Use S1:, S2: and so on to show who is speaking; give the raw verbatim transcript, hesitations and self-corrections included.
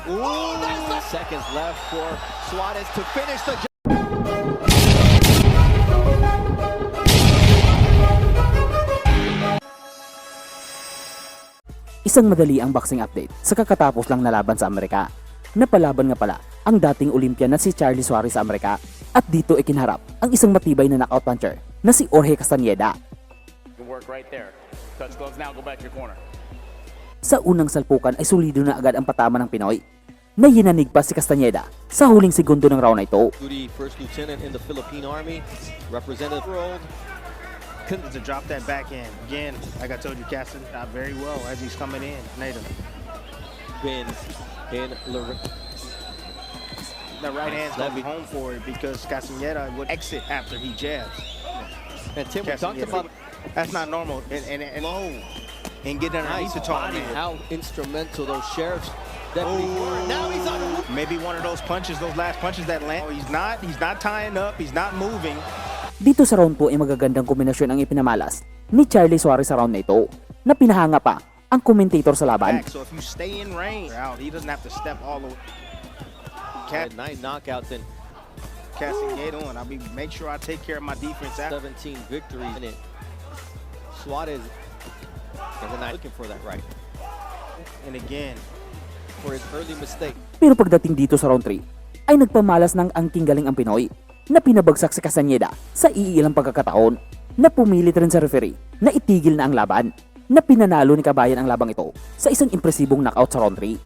S1: Ooh, seconds left for Suarez to finish the job.
S2: Isang madali ang boxing update sa kakatapos lang na laban sa Amerika. Napalaban nga pala ang dating Olympian na si Charlie Suarez sa Amerika at dito ay kinharap ang isang matibay na knockout puncher na si Jorge Castañeda. Sa unang salpukan ay solido na agad ang patama ng Pinoy na hinanig pa si Castañeda sa huling segundo ng round na ito.
S1: Duty first lieutenant in the Philippine Army, representative world.
S3: To drop that backhand. Again, like I told you, Caston not very well as he's coming in. Native.
S1: Been in Lor
S3: The right hand's gonna be home for it because Castañeda would exit after he jabs.
S1: And Tim, we talked about
S3: that's not normal. And and, and low and get underneath
S1: nice
S3: the target.
S1: body, how instrumental those sheriffs deputies were. Now he's on the
S3: Maybe one of those punches, those last punches that land. Oh, he's not. He's not tying up. He's not moving.
S2: Dito sa round po ay magagandang kombinasyon ang ipinamalas ni Charlie Suarez sa round na ito na pinahanga pa ang commentator sa laban.
S3: So if you stay in range, out, he doesn't have to step all the way.
S1: Cat nine knockouts and
S3: Castañeda on. I'll be make sure I take care of my defense after.
S1: seventeen victories in it. Suarez is not looking for that right.
S3: And again,
S1: for his early mistake.
S2: Pero pagdating dito sa round three ay nagpamalas ng angking galing ang Pinoy na pinabagsak si Castañeda sa iilang pagkakataon na pumilit rin sa referee na itigil na ang laban na pinanalo ni Kabayan ang labang ito sa isang impresibong knockout sa round three.